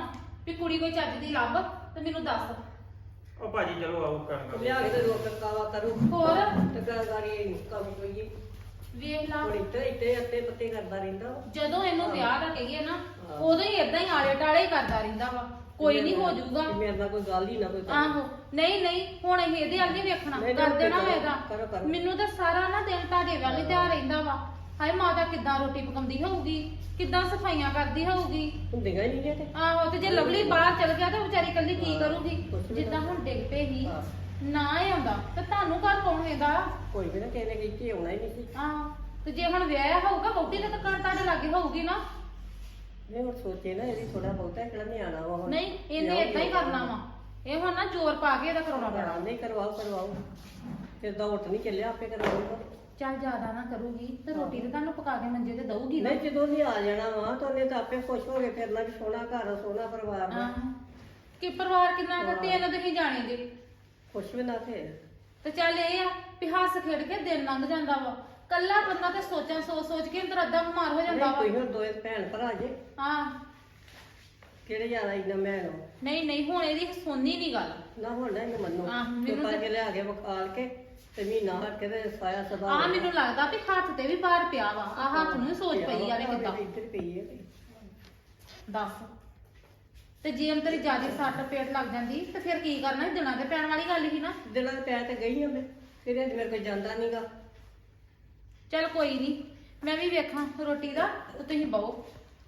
Speaker 2: ਵੀ ਕੁੜੀ ਕੋਈ ਚੱਜ ਦੀ ਲੱਭ ਤੇ ਮੈਨੂੰ ਦੱਸ।
Speaker 1: ਉਹ ਭਾਜੀ ਚਲੋ ਆਓ ਕਰਨ
Speaker 4: ਲਿਆ ਕੇ ਤੇ ਰੋਕ ਕਾਵਾ ਕਰੂ
Speaker 2: ਹੋਰ
Speaker 4: ਤੇ ਗਾਰੀ ਕੰਮ ਕੋਈ
Speaker 2: ਵੇਖ ਲਾ
Speaker 4: ਹੁਣ ਇੱਥੇ ਇੱਥੇ ਅੱਤੇ ਪੱਤੇ ਕਰਦਾ ਰਹਿੰਦਾ ਵਾ।
Speaker 2: ਜਦੋਂ ਇਹਨੂੰ ਵਿਆਹ ਦਾ ਕਹੀਏ ਨਾ
Speaker 4: ਹਾਂ।
Speaker 2: ਉਦੋਂ ਹੀ ਇਦਾਂ ਹੀ ਆਲੇ ਟਾਲੇ ਹੀ ਕਰਦਾ ਰਹਿੰਦਾ ਵਾ ਕੋਈ ਨਹੀਂ ਹੋ ਜਾਊਗਾ।
Speaker 4: ਤੇ ਮੇਰੇ ਨਾਲ ਕੋਈ ਗੱਲ ਹੀ ਨਾ ਕੋਈ ਕਰੇ।
Speaker 2: ਆਹੋ ਨਹੀਂ ਨਹੀਂ ਹੁਣ ਅਸੀਂ ਇਹਦੇ ਵੱਲ ਨਹੀਂ ਵੇਖਣਾ
Speaker 4: ਨਹੀਂ,
Speaker 2: ਕਰ
Speaker 4: ਨਹੀਂ,
Speaker 2: ਦੇਣਾ
Speaker 4: ਕਰੋ,
Speaker 2: ਇਹਦਾ
Speaker 4: ਕਰੋ, ਕਰੋ।
Speaker 2: ਮੈਨੂੰ ਤਾਂ ਸਾਰਾ ਨਾ ਦਿਨ ਤੁਹਾਡੇ ਵੱਲ ਹੀ ਧਿਆਨ ਰਹਿੰਦਾ ਵਾ। ਹਾਏ ਮਾਤਾ ਕਿੱਦਾਂ ਰੋਟੀ ਪਕਾਉਂਦੀ ਹੋਊਗੀ ਕਿੱਦਾਂ ਸਫਾਈਆਂ ਕਰਦੀ ਹੋਊਗੀ।
Speaker 4: ਹੁੰਦੀਆਂ ਹੀ ਨਹੀਂ ਨੇ ਤੇ
Speaker 2: ਆਹੋ ਤੇ ਜੇ ਲਵਲੀ ਬਾਹਰ ਚਲ ਗਿਆ ਤਾਂ ਵਿਚਾਰੀ ਕੱਲੀ ਕੀ
Speaker 4: ਹਾਂ,
Speaker 2: ਕਰੂਗੀ।
Speaker 4: ਕੁਛ ਵੀ
Speaker 2: ਜਿੱਦਾਂ
Speaker 4: ਨਾ।
Speaker 2: ਹੁਣ ਡਿੱਗ ਪਏ ਹੀ
Speaker 4: ਹਾਂ।
Speaker 2: ਨਾ ਹੀ ਆਉਂਦਾ ਤੇ ਤੁਹਾਨੂੰ ਘਰ ਕੌਣ ਹੈਗਾ।
Speaker 4: ਕੋਈ ਵੀ ਨਾ ਕਿਸੇ ਨੇ ਕੀਤੀ ਆਉਣਾ ਹੀ ਨਹੀਂ ਸੀ।
Speaker 2: ਆਹ ਤੇ ਜੇ ਹੁਣ ਵਿਆਹਿਆ ਹੋਊਗਾ ਵਹੁਟੀ ਦਾ ਤਾਂ ਘਰ ਤੁਹਾਡੇ ਲਾਗੇ ਹੋਊਗੀ ਨਾ।
Speaker 4: ਨਹੀਂ ਹੁਣ ਸੋਚੇ ਨਾ ਇਹਦੀ ਥੋੜਾ ਬਹੁਤਾ ਕਿਹੜਾ ਨਿਆਣਾ ਵਾ ਹੁਣ।
Speaker 2: ਨਹੀਂ ਇਹਨੇ ਏਦਾਂ ਹੀ ਕਰਨਾ ਵਾ। ਇਹ ਹੁਣ ਨਾ ਜ਼ੋਰ ਪਾ ਕੇ ਇਹਦਾ ਕਰਾਉਣਾ ਪੈਣਾ।
Speaker 4: ਹਾਂ, ਨਹੀਂ ਕਰਵਾਓ ਕਰਵਾਓ ਫਿਰ ਤਾਂ ਉੱਠ ਨਹੀਂ ਚੱਲਿਆ ਆਪੇ ਕਰਵਾਊਗਾ।
Speaker 2: ਚੱਲ ਜ਼ਿਆਦਾ ਨਾ ਕਰੂਗੀ ਤੇ ਰੋਟੀ ਤੇ ਤੁਹਾਨੂੰ ਪਕਾ ਕੇ ਮੰਜੇ ਤੇ ਦਊਗੀ ਨਾ।
Speaker 4: ਨਹੀਂ ਜਦੋਂ ਵੀ ਆ ਜਾਣਾ ਵਾ ਤਾਂ ਉਹਨੇ ਤਾਂ ਆਪੇ ਖੁਸ਼ ਹੋ ਕੇ ਫਿਰਨਾ ਵੀ ਸੋਹਣਾ ਘਰ ਸੋਹਣਾ ਪਰਿਵਾਰ ਵਾ।
Speaker 2: ਆਹ ਕਿ ਪਰਿਵਾਰ ਕਿੰਨਾ ਦਾ ਤਿੰਨ ਤੁਸੀਂ ਜਾਣੇ ਜੇ
Speaker 4: ਖੁਸ਼ ਵੀ ਨਾ ਫਿਰ
Speaker 2: ਤੇ ਚੱਲ ਇਹ ਆ ਵੀ ਹੱਸ ਖੇਡ ਕੇ ਦਿਨ ਲੰਘ ਜਾਂਦਾ ਵਾ। ਕੱਲਾ ਬੰਦਾ ਤੇ ਸੋਚਾਂ ਸੋਚ ਸੋਚ ਕੇ ਅੰਦਰ ਅੱਧਾ ਬਿਮਾਰ ਹੋ ਜਾਂਦਾ
Speaker 4: ਨਹੀਂ
Speaker 2: ਵਾ।
Speaker 4: ਕੋਈ ਹੁਣ ਦੋਏ ਭੈਣ ਭਰਾ ਜੇ
Speaker 2: ਹਾਂ
Speaker 4: ਕਿਹੜੇ ਜ਼ਿਆਦਾ ਇੰਨਾ ਮੈਂ ਨੂੰ
Speaker 2: ਨਹੀਂ ਨਹੀਂ ਹੁਣ ਇਹਦੀ ਸੁਣਨੀ ਨਹੀਂ ਗੱਲ।
Speaker 4: ਨਾ ਹੁਣ ਨਾ ਇਹਨੂੰ ਮੰਨੋ
Speaker 2: ਆਹ, ਮੈਨੂੰ
Speaker 4: ਚੁੱਪ
Speaker 2: ਤੇ-
Speaker 4: ਕਰਕੇ ਲਿਆ ਕੇ ਵਿਖਾਲ ਕੇ ਤੇ ਮਹੀਨਾ ਹਟ ਕੇ ਤੇ ਸਾਇਆ ਸਦਾ
Speaker 2: ਆ ਮੈਨੂੰ ਲੱਗਦਾ ਵੀ ਹੱਥ ਤੇ ਵੀ ਬਾਹਰ ਪਿਆ ਵਾ। ਆ ਹੱਥ ਨੂੰ ਵੀ ਸੋਚ ਪਈ ਆ ਵੀ ਕਿੱਦਾਂ
Speaker 4: ਇੱਧਰ ਪਈ ਹੈ
Speaker 2: ਦੱਸ। ਤੇ ਜੇ ਅੰਦਰ ਜਿਆਦਾ ਸੱਟ ਪੇਟ ਲੱਗ ਜਾਂਦੀ ਤੇ ਫਿਰ ਕੀ ਕਰਨਾ ਸੀ? ਦਿਨਾਂ ਤੇ ਪੈਣ ਵਾਲੀ ਗੱਲ ਸੀ ਨਾ।
Speaker 4: ਦਿਲਾਂ ਦੇ ਪੈਰ ਤੇ ਗਈ ਹਾਂ ਮੈਂ ਫਿਰ ਅੱਜ ਮੇਰੇ ਕੋਲ ਜਾਂਦਾ ਨਹੀਂਗਾ।
Speaker 2: ਚੱਲ ਕੋਈ ਨਹੀਂ ਮੈਂ ਵੀ ਵੇਖਾਂ ਰੋਟੀ ਦਾ ਤੇ ਤੁਸੀਂ ਬਹੁ।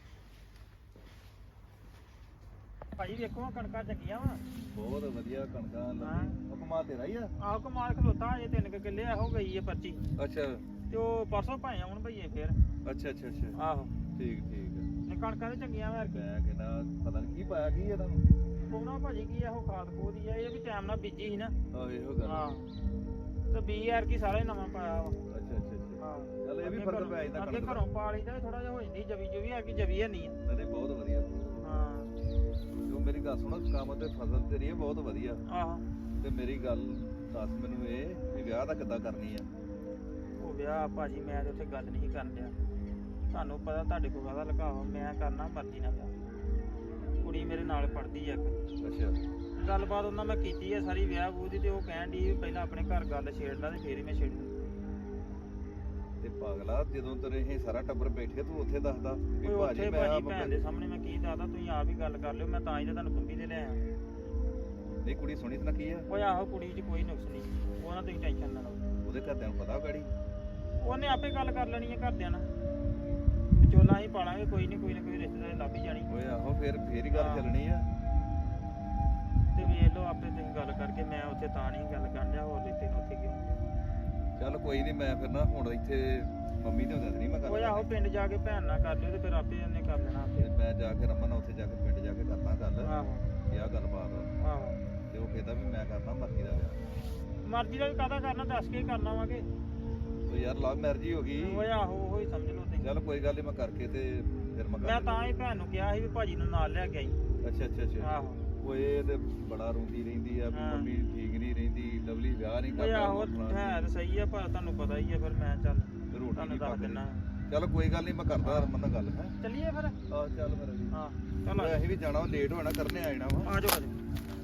Speaker 1: ਭਾਜੀ ਵੇਖੋ ਕਣਕਾਂ ਚੰਗੀਆਂ ਵਾ।
Speaker 3: ਬਹੁਤ ਵਧੀਆ ਕਣਕਾਂ
Speaker 1: ਹਾਂ।
Speaker 3: ਲੱਗੀ ਹੁਕਮਾ ਤੇਰਾ ਹੀ ਆ।
Speaker 1: ਆਹ ਕਮਾਲ ਖਲੋਤਾ ਅਜੇ ਤਿੰਨ ਕੁ ਕਿੱਲੇ ਇਹੋ ਗਈ ਹੈ ਪਰਚੀ
Speaker 3: ਅੱਛਾ
Speaker 1: ਤੇ ਉਹ ਪਰਸੋਂ ਭਾਏ ਆਉਣ ਭਈਏ ਫੇਰ।
Speaker 3: ਅੱਛਾ ਅੱਛਾ ਅੱਛਾ
Speaker 1: ਆਹੋ
Speaker 3: ਠੀਕ ਠੀਕ
Speaker 1: ਨੇ ਕਣਕਾਂ ਤੇ ਚੰਗੀਆਂ ਵਾ ਕੀ
Speaker 3: ਮੈਂ ਕਹਿੰਦਾ ਪਤਾ ਨਹੀਂ ਕੀ ਪਾਇਆ ਕੀ ਇਹਦਾ
Speaker 1: ਪਾਉਣਾ ਭਾਜੀ ਕੀ ਇਹੋ ਖਾਦ ਖੂਦ ਹੀ ਆ। ਇਹ ਵੀ ਟਾਈਮ ਨਾਲ ਬੀਜੀ ਸੀ ਨਾ।
Speaker 3: ਆਹ ਇਹੋ ਗੱਲ
Speaker 1: ਹਾਂ ਤੇ ਬੀ ਯਾਰ ਕੀ ਸਾਰਾ ਹੀ ਨਵਾਂ ਪਾਇਆ ਵਾ।
Speaker 3: ਅੱਛਾ ਅੱਛਾ ਅੱਛਾ
Speaker 1: ਹਾਂ
Speaker 3: ਚੱਲ ਇਹ ਵੀ
Speaker 1: ਅੱਗੇ
Speaker 3: ਫਰਕ
Speaker 1: ਘਰੋਂ-
Speaker 3: ਪੈ ਜਾਂਦਾ
Speaker 1: ਅੱਗੇ
Speaker 3: ਕਣਕ ਦਾ।
Speaker 1: ਘਰੋਂ ਪਾ ਲਈਦਾ ਥੋੜਾ ਜਿਹਾ ਹੋ ਜਾਂਦੀ ਜਵੀ ਜੁਵੀ ਆ ਕਿ ਜਵੀ ਹੈ ਨਹੀਂ ਆ।
Speaker 3: ਨਹੀਂ ਨਹੀਂ, ਬਹੁਤ ਵਧੀਆ
Speaker 1: ਹਾਂ
Speaker 3: ਜੋ ਮੇਰੀ ਗੱਲ ਸੁਣੋ ਕੰਮ ਤੇ ਫਸਲ ਤੇਰੀ ਹੈ ਬਹੁਤ ਵਧੀਆ
Speaker 1: ਆਹੋ
Speaker 3: ਤੇ ਮੇਰੀ ਗੱਲ ਦੱਸ ਮੈਨੂੰ ਇਹ ਵੀ ਵਿਆਹ ਦਾ ਕਿੱਦਾਂ ਕਰਨੀ ਆ।
Speaker 1: ਉਹ ਵਿਆਹ ਭਾਜੀ ਮੈਂ ਤੇ ਉੱਥੇ ਗੱਲ ਨਹੀਂ ਕਰਨ ਡਿਆ। ਤੁਹਾਨੂੰ ਪਤਾ ਤੁਹਾਡੇ ਕੋਲ ਕਾਹਦਾ ਲੁਕਾਵਾ ਮੈਂ ਕਰਨਾ ਮਰਜ਼ੀ ਨਾਲ ਵਿਆਹ। ਕੁੜੀ ਮੇਰੇ ਨਾਲ ਪੜਦੀ ਆ ਇੱਕ।
Speaker 3: ਅੱਛਾ
Speaker 1: ਗੱਲਬਾਤ ਉਹਨਾਂ ਮੈਂ ਕੀਤੀ ਆ ਸਾਰੀ ਵਿਆਹ ਵੂਹ ਦੀ ਤੇ ਉਹ ਕਹਿਣ ਦੀ ਪਹਿਲਾਂ ਆਪਣੇ ਘਰ ਗੱਲ ਛੇੜ ਲਾ ਤੇ ਫੇਰ ਹੀ ਮੈਂ ਛੇੜੂ।
Speaker 3: ਤੇ ਪਾਗਲਾ ਜਦੋਂ ਤੇਰੇ ਇਹ ਸਾਰਾ ਟੱਬਰ ਬੈਠੇ ਤੂੰ ਉੱਥੇ ਦੱਸਦਾ ਵੀ
Speaker 1: ਕੋਈ
Speaker 3: ਭਾਜੀ
Speaker 1: ਉੱਥੇ
Speaker 3: ਮੈਂ
Speaker 1: ਭਾਜੀ ਭੈਣ ਦੇ ਸਾਹਮਣੇ ਮੈਂ ਕੀ ਦੱਸਦਾ ਤੁਸੀਂ ਆਪ ਹੀ ਗੱਲ ਕਰ ਲਿਓ। ਮੈਂ ਤਾਂ ਹੀ ਤਾਂ ਤੁਹਾਨੂੰ ਬੰਬੀ ਦੇ ਲਿਆ।
Speaker 3: ਨਹੀਂ ਕੁੜੀ ਸੁਣੀ ਤਾਂ ਕੀ ਆ
Speaker 1: ਉਹ ਆਹੋ ਕੁੜੀ 'ਚ ਕੋਈ ਨੁਕਸ ਨਹੀਂ। ਉਹ ਨਾ ਤੁਸੀਂ ਟੈਨਸ਼ਨ ਨਾ ਲਓ।
Speaker 3: ਉਹਦੇ ਘਰਦਿਆਂ ਨੂੰ ਪਤਾ ਗਾੜੀ
Speaker 1: ਉਹਨੇ ਆਪੇ ਗੱਲ ਕਰ ਲੈਣੀ ਹੈ ਘਰਦਿਆਂ ਨਾਲ। ਵਿਚੋਲਾ ਹੀ ਪਾਲਾਂਗੇ ਕੋਈ ਨਹੀਂ ਕੋਈ ਨਾ ਕੋਈ ਰਿਸ਼ਤੇਦਾਰ ਲੱਭ ਹੀ ਜਾਣੀ।
Speaker 3: ਓਏ ਆਹੋ ਫੇਰ ਫੇਰ ਹੀ ਗੱਲ
Speaker 1: ਹਾਂ।
Speaker 3: ਚੱਲਣੀ ਆ।
Speaker 1: ਤੇ ਵੇਖ ਲਓ ਆਪੇ ਤੁਸੀਂ ਗੱਲ ਕਰਕੇ ਮੈਂ ਉੱਥੇ ਤਾਂ ਨਹੀਂ ਗੱਲ ਕਰਨ ਡਿਆ ਹੋਰ ਲਿੱਤੇ ਨੂੰ ਉੱਥੇ ਕਿਉਂ।
Speaker 3: ਚੱਲ ਕੋਈ ਨਹੀਂ ਮੈਂ ਫਿਰ ਨਾ ਹੁਣ ਇੱਥੇ ਮੰਮੀ ਦੇ ਹੁੰਦੇ ਨਹੀਂ ਮੈਂ
Speaker 1: ਉਹ ਆਹੋ
Speaker 3: ਗੱਲ
Speaker 1: ਪਿੰਡ ਜਾ ਕੇ ਭੈਣ ਨਾਲ ਕਰ ਲਿਓ ਤੇ ਫਿਰ ਆਪੇ ਉਹਨੇ ਕਰ ਲੈਣਾ ਆਪੇ।
Speaker 3: ਤੇ ਮੈਂ ਜਾ ਕੇ ਰਮਨ ਨਾਲ ਉੱਥੇ ਜਾ ਕੇ ਪਿੰਡ ਜਾ ਕੇ ਕਰਦਾ ਗੱਲ
Speaker 1: ਆਹੋ
Speaker 3: ਕਿ ਆਹ ਗੱਲਬਾਤ ਆ।
Speaker 1: ਆਹੋ
Speaker 3: ਤੇ ਉਹ ਕਹਿੰਦਾ ਵੀ ਮੈਂ ਕਰਨਾ ਮਰਜ਼ੀ ਦਾ ਵਿਆਹ।
Speaker 1: ਮਰਜ਼ੀ ਦਾ ਵੀ ਕਾਹਦਾ ਕਰਨਾ ਦੱਸ ਕੇ ਹੀ ਕਰਨਾ ਵਾਂਗੇ।
Speaker 3: ਉਹ ਯਾਰ ਲਵ ਮੈਰਿਜ ਹੀ ਹੋ ਗਈ।
Speaker 1: ਉਹ ਆਹੋ ਉਹ ਹੀ ਸਮਝ ਲਓ ਤੁਸੀਂ।
Speaker 3: ਚੱਲ ਕੋਈ ਗੱਲ ਨਹੀਂ ਮੈਂ ਕਰਕੇ ਤੇ ਫਿਰ ਮੈਂ ਕਰ
Speaker 1: ਮੈਂ ਤਾਂ ਹੀ ਭੈਣ ਨੂੰ ਕਿਹਾ ਸੀ ਵੀ ਭਾਜੀ ਨੂੰ ਨਾਲ ਲੈ ਕੇ ਆਈ।
Speaker 3: ਅੱਛਾ ਅੱਛਾ ਅੱਛਾ
Speaker 1: ਆਹੋ
Speaker 3: ਉਹ ਇਹ ਤੇ ਬੜਾ ਰੋਂਦੀ ਰਹਿੰਦੀ ਆ ਵੀ
Speaker 1: ਹਾਂ।
Speaker 3: ਮੰਮੀ ਠੀਕ ਨਹੀਂ ਰਹਿੰਦੀ ਲਵਲੀ ਵਿਆਹ ਨਹੀਂ
Speaker 1: ਉਹ
Speaker 3: ਕਰਦਾ
Speaker 1: ਆਹੋ ਹੈ ਤਾਂ ਸਹੀ ਆ ਪਰ ਤੁਹਾਨੂੰ ਪਤਾ ਹੀ ਆ ਫਿਰ ਮੈਂ ਚੱਲ
Speaker 3: ਤੇ ਰੋਟੀ
Speaker 1: ਤੁਹਾਨੂੰ
Speaker 3: ਨਹੀਂ
Speaker 1: ਦੱਸ
Speaker 3: ਪੱਕਦੀ।
Speaker 1: ਦਿੰਦਾ।
Speaker 3: ਚੱਲ ਕੋਈ ਗੱਲ ਨਹੀਂ ਮੈਂ ਕਰਦਾ ਰਮਨ ਨਾਲ ਗੱਲ ਹੈ।
Speaker 1: ਚੱਲੀਏ ਫਿਰ।
Speaker 3: ਆਹ ਚੱਲ ਫਿਰ ਅਸੀਂ
Speaker 1: ਹਾਂ ਚੱਲ ਆ
Speaker 3: ਅਸੀਂ ਵੀ ਜਾਣਾ ਲੇਟ ਹੋਣਾ ਕਰਨੇ ਆ ਜਾਣਾ ਵਾ।
Speaker 1: ਆ ਜਾਓ ਆ ਜਾਓ।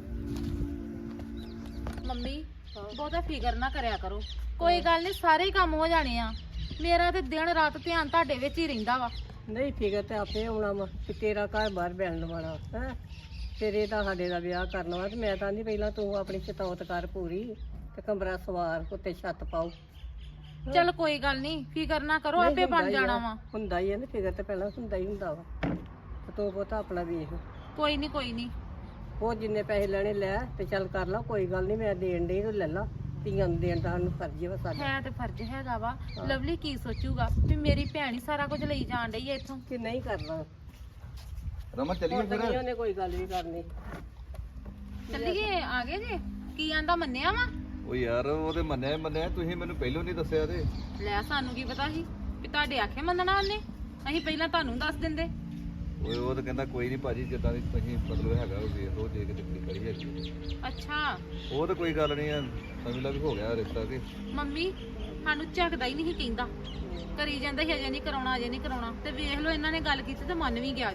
Speaker 2: ਮੰਮੀ ਬਹੁਤਾ ਫਿਕਰ ਨਾ ਕਰਿਆ ਕਰੋ। ਕੋਈ ਗੱਲ ਨਹੀਂ ਸਾਰੇ ਹੀ ਕੰਮ ਹੋ ਜਾਣੇ ਆ। ਮੇਰਾ ਤੇ ਦਿਨ ਰਾਤ ਧਿਆਨ ਤੁਹਾਡੇ ਵਿੱਚ ਹੀ ਰਹਿੰਦਾ ਵਾ।
Speaker 4: ਨਹੀਂ ਫਿਕਰ ਤੇ ਆਪੇ ਆਉਣਾ ਵਾ ਕਿ ਤੇਰਾ ਘਰ ਬਾਹਰ ਬੈਣ ਵਾਲਾ ਹੈ ਤੇਰੇ ਤਾਂ ਸਾਡੇ ਦਾ ਵਿਆਹ ਕਰਨਾ ਵਾ ਤੇ ਮੈਂ ਤਾਂ ਨਹੀਂ ਪਹਿਲਾਂ ਤੂੰ ਆਪਣੀ ਚਤੌਤ ਕਰ ਪੂਰੀ ਤੇ ਕਮਰਾ ਸਵਾਰ ਉੱਤੇ ਛੱਤ ਪਾਓ।
Speaker 2: ਚੱਲ ਕੋਈ ਗੱਲ ਨਹੀਂ ਫਿਕਰ ਨਾ ਕਰੋ
Speaker 4: ਨਹੀਂ,
Speaker 2: ਆਪੇ
Speaker 4: ਹੁੰਦਾ
Speaker 2: ਬਣ
Speaker 4: ਹੀ ਆ,
Speaker 2: ਜਾਣਾ ਵਾ।
Speaker 4: ਹੁੰਦਾ ਹੀ ਹੈ ਨਾ ਫਿਕਰ ਤੇ ਪਹਿਲਾਂ ਹੁੰਦਾ ਹੀ ਹੁੰਦਾ ਵਾ ਤੇ ਤੂੰ ਬਹੁਤਾ ਆਪਣਾ ਵੇਖ
Speaker 2: ਕੋਈ ਨਹੀਂ ਕੋਈ ਨਹੀਂ
Speaker 4: ਉਹ ਜਿੰਨੇ ਪੈਸੇ ਲੈਣੇ ਲੈ ਤੇ ਚੱਲ ਕਰ ਲਾ ਕੋਈ ਗੱਲ ਨਹੀਂ ਮੈਂ ਦੇਣ ਡਈ ਤੇ ਲੈ ਲਾ ਧੀਆਂ ਨੂੰ ਦੇਣ ਦਾ ਸਾਨੂੰ ਫਰਜ਼ ਵਾ ਸਾਡਾ
Speaker 2: ਹੈ ਤੇ ਫਰਜ਼ ਹੈਗਾ ਵਾ।
Speaker 4: ਹਾਂ।
Speaker 2: ਲਵਲੀ ਕੀ ਸੋਚੂਗਾ ਵੀ ਮੇਰੀ ਭੈਣ ਹੀ ਸਾਰਾ ਕੁਝ ਲਈ ਜਾਣ ਡਈ ਐ ਇੱਥੋਂ।
Speaker 4: ਕਿ ਨਹੀਂ ਕਰਨਾ
Speaker 3: ਰਮਨ ਚੱਲੀਏ
Speaker 4: ਹੁਣ ਤਾਂ ਨਹੀਂ
Speaker 3: ਫਿਰ
Speaker 4: ਉਹਨੇ ਕੋਈ ਗੱਲ ਵੀ ਕਰਨੀ
Speaker 2: ਚੱਲੀਏ ਆ ਗਏ ਜੀ ਕੀ ਆਂਦਾ ਮੰਨਿਆ ਵਾ।
Speaker 3: ਉਹ ਯਾਰ ਉਹ ਤੇ ਮੰਨਿਆ ਹੀ ਮੰਨਿਆ ਤੁਸੀਂ ਮੈਨੂੰ ਪਹਿਲਾਂ ਨਹੀਂ ਦੱਸਿਆ ਤੇ
Speaker 2: ਲੈ ਸਾਨੂੰ ਕੀ ਪਤਾ ਸੀ ਵੀ ਤੁਹਾਡੇ ਆਖੇ ਮੰਨਣਾ ਉਹਨੇ। ਅਸੀਂ ਪਹਿਲਾਂ ਤੁਹਾਨੂੰ ਦੱਸ ਦਿੰਦੇ।
Speaker 3: ਓਏ ਉਹ ਤਾਂ ਕਹਿੰਦਾ ਕੋਈ ਨਹੀਂ ਭਾਜੀ ਜਿੱਦਾਂ ਦੀ ਤੁਸੀਂ ਮਤਲਬ ਹੈਗਾ ਉਹ ਵੇਖ ਲਓ ਜੇ ਕਿਤੇ ਕੁੜੀ ਕਰੀ ਹੈਗੀ।
Speaker 2: ਅੱਛਾ
Speaker 3: ਉਹ ਤਾਂ ਕੋਈ ਗੱਲ ਨਹੀਂ ਆ ਸਮਝ ਲਾ ਵੀ ਹੋ ਗਿਆ ਰਿਸ਼ਤਾ ਤੇ
Speaker 2: ਮੰਮੀ ਸਾਨੂੰ ਝੱਕਦਾ ਹੀ ਨਹੀਂ ਕਹਿੰਦਾ। ਕਰੀ ਜਾਂਦਾ ਸੀ ਅਜੇ ਨਹੀਂ ਕਰਾਉਣਾ ਅਜੇ ਨਹੀਂ ਕਰਾਉਣਾ ਤੇ ਵੇਖ ਲਓ ਇਹਨਾਂ ਨੇ ਗੱਲ ਕੀਤੀ ਤੇ ਮੰਨ ਵੀ ਗਿਆ ਜੇ।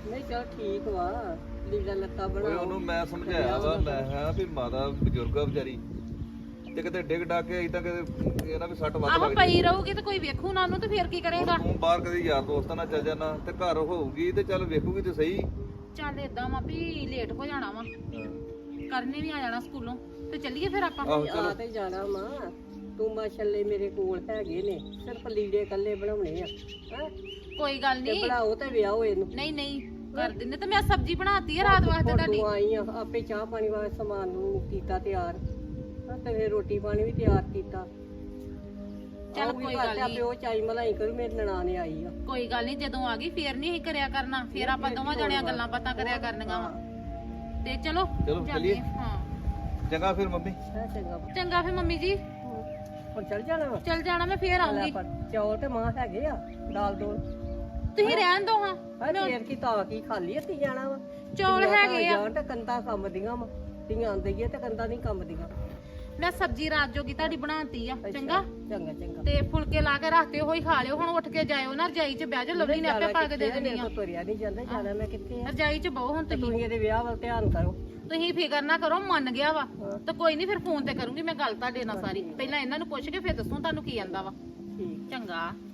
Speaker 4: ਨਹੀਂ ਚਲ ਠੀਕ ਵਾ ਲੀੜਾ ਲੱਤਾ
Speaker 3: ਓਏ
Speaker 4: ਬਣਾ
Speaker 3: ਉਹਨੂੰ ਮੈਂ ਸਮਝਾਇਆ ਵਾ ਮੈਂ ਕਿਹਾ ਵੀ ਮਾਤਾ ਬਜ਼ੁਰਗ ਆ ਵਿਚਾਰੀ ਤੇ ਕਿਤੇ ਡਿੱਗ ਡਾ ਕੇ ਇਦਾਂ ਕਿਤੇ ਇਹ ਨਾ ਵੀ ਸੱਟ ਵੱਧ
Speaker 2: ਆਹੋ
Speaker 3: ਲੱਗ
Speaker 2: ਪਈ ਰਹੂਗੀ ਤੇ ਕੋਈ ਵੇਖੂ ਨਾ ਉਹਨੂੰ ਤੇ ਫੇਰ ਕੀ ਕਰੇਗਾ
Speaker 3: ਤੂੰ ਬਾਹਰ ਕਦੇ ਯਾਰ ਦੋਸਤਾਂ ਨਾਲ ਚੱਲ ਜਾਣਾ ਤੇ ਘਰ ਹੋਊਗੀ ਤੇ ਚੱਲ ਵੇਖੂਗੀ ਤੇ ਸਹੀ
Speaker 2: ਚੱਲ ਏਦਾਂ ਵਾ ਵੀ ਲੇਟ ਹੋ ਜਾਣਾ ਵਾ
Speaker 3: ਹਾਂ।
Speaker 2: ਕਰਨੇ ਵੀ ਆ ਜਾਣਾ ਸਕੂਲੋਂ ਤੇ ਚੱਲੀਏ ਫਿਰ ਆਪਾਂ
Speaker 3: ਆਹੋ
Speaker 4: ਆ
Speaker 3: ਚਲੋ
Speaker 4: ਤੇ ਜਾਣਾ ਮਾਂ ਤੂੰ ਮਾਸ਼ੱਲੇ ਮੇਰੇ ਕੋਲ ਹੈਗੇ ਨੇ ਸਿਰਫ ਲੀੜੇ ਇਕੱਲੇ ਬਣਾਉਣੇ ਆ ਹੈਂ
Speaker 2: ਕੋਈ ਗੱਲ
Speaker 4: ਤੇ
Speaker 2: ਨਹੀਂ
Speaker 4: ਬਣਾਓ ਤੇ ਵਿਆਹੋ ਇਹਨੂੰ
Speaker 2: ਨਹੀਂ ਨਹੀਂ ਕਰ ਦਿੰਦੇ ਤੇ ਮੈਂ ਸਬਜ਼ੀ ਬਣਾਤੀ ਆ ਰਾਤ ਵਾਸਤੇ
Speaker 4: ਹੁਣ
Speaker 2: ਤੁਹਾਡੀ
Speaker 4: ਤੂੰ ਆਈ ਆ ਆਪੇ ਚਾਹ ਪਾਣੀ ਵਾਸਤੇ ਸਮਾਨ ਨੂੰ ਕੀਤਾ ਤਿਆਰ ਹਾਂ ਤੇ ਫਿਰ ਰੋਟੀ ਪਾਣੀ ਵੀ ਤਿਆਰ ਕੀਤਾ
Speaker 2: ਚੱਲ
Speaker 4: ਆਊਗੀ
Speaker 2: ਕੋਈ
Speaker 4: ਘਰ
Speaker 2: ਗੱਲ
Speaker 4: ਤੇ ਆਪੇ
Speaker 2: ਨੀ।
Speaker 4: ਉਹ ਚਾਈ ਮਲਾਈ ਕਰੂ ਮੇਰੀ ਨਨਾਣੇ ਆਈ ਆ
Speaker 2: ਕੋਈ ਗੱਲ ਨਹੀਂ ਜਦੋਂ ਆ ਗਈ ਫੇਰ ਨਹੀਂ ਅਸੀਂ ਕਰਿਆ ਕਰਨਾ ਫੇਰ ਆਪਾਂ ਦੋਵਾਂ ਜਣਿਆਂ ਗੱਲਾਂ ਬਾਤਾਂ ਕਰਿਆ ਕਰਨੀਆਂ ਵਾ ਤੇ ਚਲੋ
Speaker 3: ਚਲੋ
Speaker 2: ਜਾਂਦੇ
Speaker 3: ਚੱਲੀਏ।
Speaker 2: ਆ। ਹਾਂ
Speaker 3: ਚੰਗਾ ਫਿਰ ਮੰਮੀ
Speaker 4: ਹੈ ਚੰਗਾ
Speaker 2: ਚੰਗਾ ਫੇਰ ਮੰਮੀ ਜੀ
Speaker 4: ਹੁਣ ਚੱਲ ਜਾਣਾ ਵਾ
Speaker 2: ਚੱਲ ਜਾਣਾ ਮੈਂ ਫੇਰ
Speaker 4: ਲੈ
Speaker 2: ਆਉਂਗੀ
Speaker 4: ਪਰ ਚੌਲ ਤੇ ਮਾਂ ਹੈਗੇ ਆ ਦਾਲ ਦੋਲ
Speaker 2: ਤੁਸੀਂ ਰਹਿਣ ਦੋ ਹਾਂ
Speaker 4: ਹਾਂ ਫੇਰ ਕੀ ਤਾਂ ਕੀ ਖਾਲੀ ਹੱਤੀ ਜਾਣਾ ਵਾ
Speaker 2: ਚੌਲ
Speaker 4: ਧੀਆਂ ਘਰ
Speaker 2: ਹੈਗੇ ਆ।
Speaker 4: ਜਾਣ ਤੇ ਕੰਦਾ ਕੰਮ ਦੀਆਂ ਵਾ ਧੀਆਂ ਦਈਏ ਤੇ ਕੰਦਾ ਨਹੀਂ ਕੰਮ ਦੀਆਂ
Speaker 2: ਮੈਂ ਸਬਜ਼ੀ ਰਾਤ ਜੋਗੀ ਤੁਹਾਡੀ ਬਣਾਤੀ ਆ ਚੰਗਾ
Speaker 4: ਚੰਗਾ ਚੰਗਾ
Speaker 2: ਤੇ ਫੁਲਕੇ ਲਾ ਕੇ ਰੱਖਤੇ ਹੋਈ ਖਾ ਲਿਓ ਹੁਣ ਉੱਠ ਕੇ ਜਾਇਓ ਨਾ ਰਜਾਈ 'ਚ ਬਹਿ ਜਾਓ ਲਵਲੀ ਨੇ ਆਪੇ ਪਾ ਕੇ ਦੇ ਦੇਣੀ ਆ
Speaker 4: ਤੁਰਿਆ ਨਹੀਂ ਜਾਂਦਾ ਜਾਣਾ ਮੈਂ ਕਿੱਥੇ ਆ
Speaker 2: ਰਜਾਈ 'ਚ ਬਹੁ ਹੁਣ
Speaker 4: ਤੇ
Speaker 2: ਤੁਸੀਂ
Speaker 4: ਤੁਸੀਂ ਇਹਦੇ ਵਿਆਹ ਵੱਲ ਧਿਆਨ ਕਰੋ
Speaker 2: ਤੁਸੀਂ ਫਿਕਰ ਨਾ ਕਰੋ ਮੰਨ ਗਿਆ ਵਾ ਤੇ ਕੋਈ ਨਹੀਂ ਫਿਰ ਫੋਨ ਤੇ ਕਰੂੰਗੀ ਮੈਂ ਗੱਲ ਤੁਹਾਡੇ ਨਾਲ ਸਾਰੀ ਪਹਿਲਾਂ ਇਹਨਾਂ ਨੂੰ ਪੁੱਛ ਕੇ ਫਿਰ ਦੱਸੂ ਤੁਹਾਨੂੰ ਕੀ ਆਂਦਾ ਵਾ
Speaker 4: ਠੀਕ
Speaker 2: ਚੰਗਾ